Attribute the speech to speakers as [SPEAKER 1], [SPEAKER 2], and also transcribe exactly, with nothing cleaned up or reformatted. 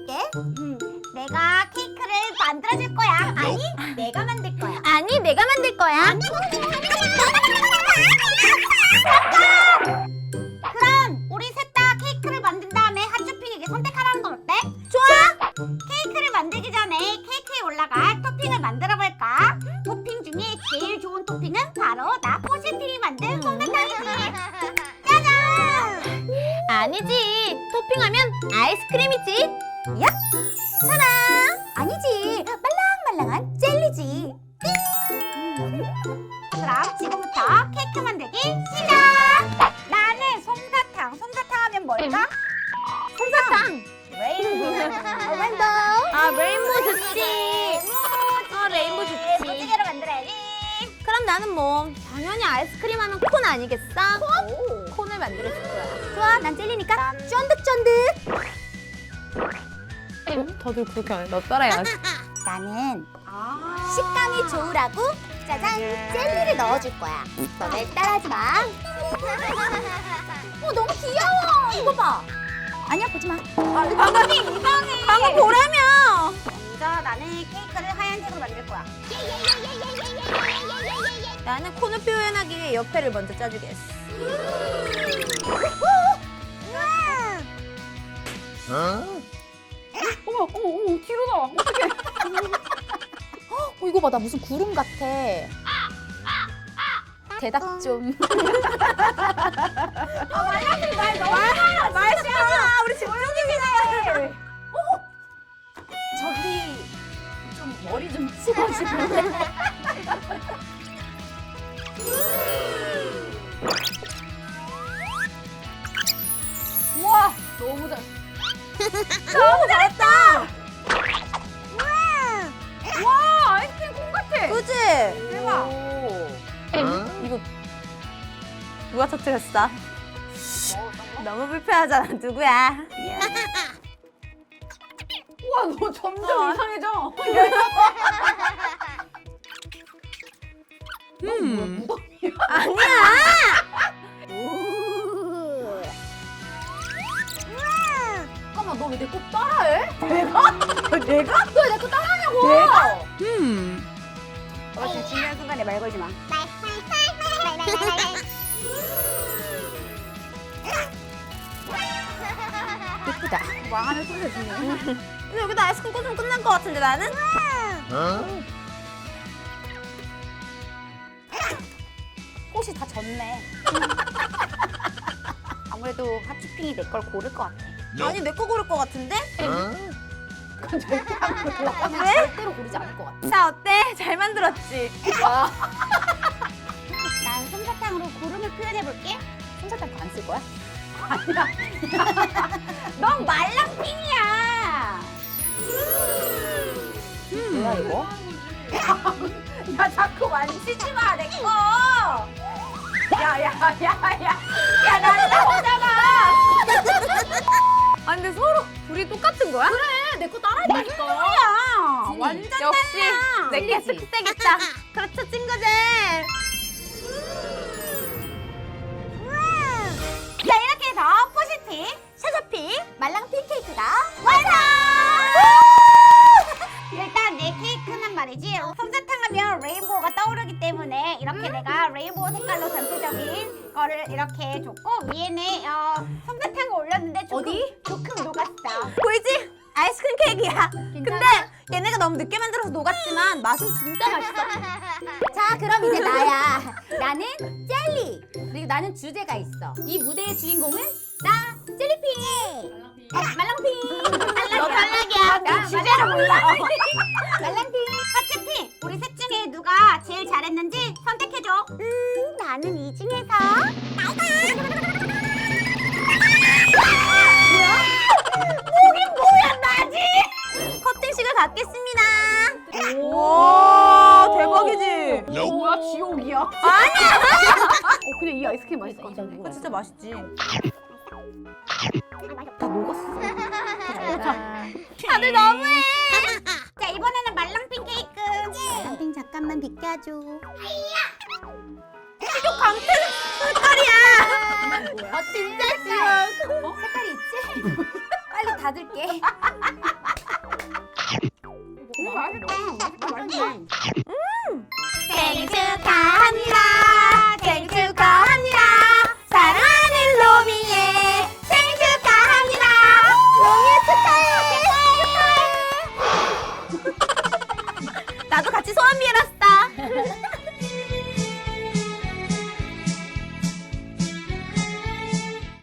[SPEAKER 1] 해줄게. 음, 내가 케이크를 만들어줄 거야. 아니, 내가 만들 거야.
[SPEAKER 2] 아니, 내가 만들 거야.
[SPEAKER 1] 그럼 우리 셋 다 케이크를 만든 다음에 핫쇼핑에게 선택하라는 건 어때?
[SPEAKER 2] 좋아.
[SPEAKER 1] 케이크를 만들기 전에 케이크에 올라갈 토핑을 만들어 볼까? 토핑 중에 제일 좋은 토핑은 바로 나 포시핑이 만든 솜사탕이지. 짜잔!
[SPEAKER 2] 아니지. 토핑하면 아이스크림이지.
[SPEAKER 1] 야? 차라! 아니지. 말랑말랑한 젤리지. 음. 그럼 지금부터 케이크 만들기 시작! 나는 솜사탕. 솜사탕 하면 뭘까?
[SPEAKER 2] 솜사탕.
[SPEAKER 1] 레인보우. 레인보우.
[SPEAKER 2] 아, 레인보우 좋지. 아, 레인보우 좋지.
[SPEAKER 1] 멋지게로 만들어야지.
[SPEAKER 2] 그럼 나는 뭐 당연히 아이스크림 하면 콘 아니겠어?
[SPEAKER 1] 오.
[SPEAKER 2] 콘을 만들어줄 거야.
[SPEAKER 1] 좋아, 난 젤리니까 쫀득쫀득.
[SPEAKER 2] 어? 다들 그렇게 안 해. 나 따라해야지.
[SPEAKER 1] 나는 식감이 좋으라고 짜잔 젤리를 넣어줄 거야. 너네 따라하지 마. 어, 너무 귀여워. 이거 봐. 아니야, 보지 마. 방금이 이상해.
[SPEAKER 2] 방금 보라며.
[SPEAKER 1] 먼저 나는 케이크를 하얀색으로 만들 거야.
[SPEAKER 2] 나는 콘을 표현하기 위해 옆에를 먼저 짜주겠어.
[SPEAKER 3] 어머, 어머, 어머, 뒤로 나와. 어떡해. 어, 이거 봐, 나 무슨 구름 같아. 대답 좀.
[SPEAKER 1] 말 너무 많아.
[SPEAKER 2] 말씨야, 우리 집중력이네.
[SPEAKER 3] 저기 좀 머리 좀 치워주면. 우와, 너무 잘.
[SPEAKER 2] 너무 잘했다.
[SPEAKER 3] 와, 아이스크림 콩 같아.
[SPEAKER 2] 그치?
[SPEAKER 3] 대박.
[SPEAKER 2] 이거 누가 터뜨렸어? 너무 불편하잖아. 누구야?
[SPEAKER 3] 우와, 너 점점
[SPEAKER 2] 어.
[SPEAKER 3] 이상해져.
[SPEAKER 2] 음.
[SPEAKER 3] 무덤이야.
[SPEAKER 2] 아니야.
[SPEAKER 3] 잠깐만, 너 왜 내 거 따라해?
[SPEAKER 2] 내가? 내가?
[SPEAKER 3] 너 왜 내 거 따라하냐고.
[SPEAKER 2] 내가? 음.
[SPEAKER 1] 어, 지금 중요한 순간에 말 걸지 마.
[SPEAKER 3] 예쁘다.
[SPEAKER 1] 망하는 소리가 지네.
[SPEAKER 2] 근데 여기다 아이스크림 꽂으면 끝난 것 같은데 나는?
[SPEAKER 1] 꽃이 다 졌네. 아무래도 핫쇼핑이 내 걸 고를 것 같아.
[SPEAKER 2] 아니 내 거 고를 것 같은데?
[SPEAKER 3] 그건 절대 안 고를 것 같아.
[SPEAKER 2] 왜?
[SPEAKER 3] 절대로 고르지 않을 것 같아.
[SPEAKER 2] 자 어때? 잘 만들었지?
[SPEAKER 1] 난 솜사탕으로 구름을 표현해볼게.
[SPEAKER 3] 솜사탕 안 쓸 거야?
[SPEAKER 1] 넌 말랑핑이야.
[SPEAKER 3] 뭐야 이거?
[SPEAKER 1] 야, 자꾸 만지지 마, 내 거. 야, 야, 야, 야. 야, 날라오잖아.
[SPEAKER 2] 아 근데 서로 둘이 똑같은 거야?
[SPEAKER 3] 그래, 내 거 따라했다니까.
[SPEAKER 1] 야,
[SPEAKER 3] 진이.
[SPEAKER 1] 완전
[SPEAKER 2] 역시
[SPEAKER 1] 달라.
[SPEAKER 2] 내게
[SPEAKER 3] 찐이지.
[SPEAKER 2] 특색 있다. 그렇죠 친구들.
[SPEAKER 1] 자, 이렇게 해서 포시핑, 샤샤핑, 말랑핑 케이크가 완성! 일단 내 케이크는 말이지 솜사탕 하면 레인보우가 떠오르기 때문에 이렇게 내가 레인보우 색깔로 전체적인 거를 이렇게 줬고 위에는 어, 솜사탕을 올렸는데 조금,
[SPEAKER 2] 어디?
[SPEAKER 1] 조금 녹았어.
[SPEAKER 2] 보이지? 아이스크림 케이크야. 근데 얘네가 너무 늦게 만들어서 녹았지만 맛은 진짜 맛있어.
[SPEAKER 1] 자, 그럼 이제 나야. 나는 젤리. 그리고 나는 주제가 있어. 이 무대의 주인공은 나 젤리핑. 아, 말랑핑.
[SPEAKER 2] 너 탈락이야.
[SPEAKER 1] 나 주제를 몰라. 말랑핑. 핫쇼핑. 우리 셋 중에 누가 제일 잘했는지 선택해줘. 음, 나는 이 중에서 나가. 목이 뭐야, 나지?
[SPEAKER 2] 커팅식을 갖겠습니다.
[SPEAKER 3] 오,
[SPEAKER 2] 대박이지?
[SPEAKER 3] 뭐야, 지옥이야.
[SPEAKER 2] 아니야.
[SPEAKER 3] 어, 근데 이 아이스크림 맛있을 것 같은데.
[SPEAKER 2] 이거 진짜 맛있지.
[SPEAKER 3] 다 녹았어.
[SPEAKER 2] 다들 너무해.
[SPEAKER 1] 자, 이번에는 말랑핑 케이크. 말랑핑 잠깐만 비켜줘.
[SPEAKER 2] 이거 강태 색깔이야.
[SPEAKER 1] 아, 진짜 싫어. 색깔이 있지? 빨리 닫을게.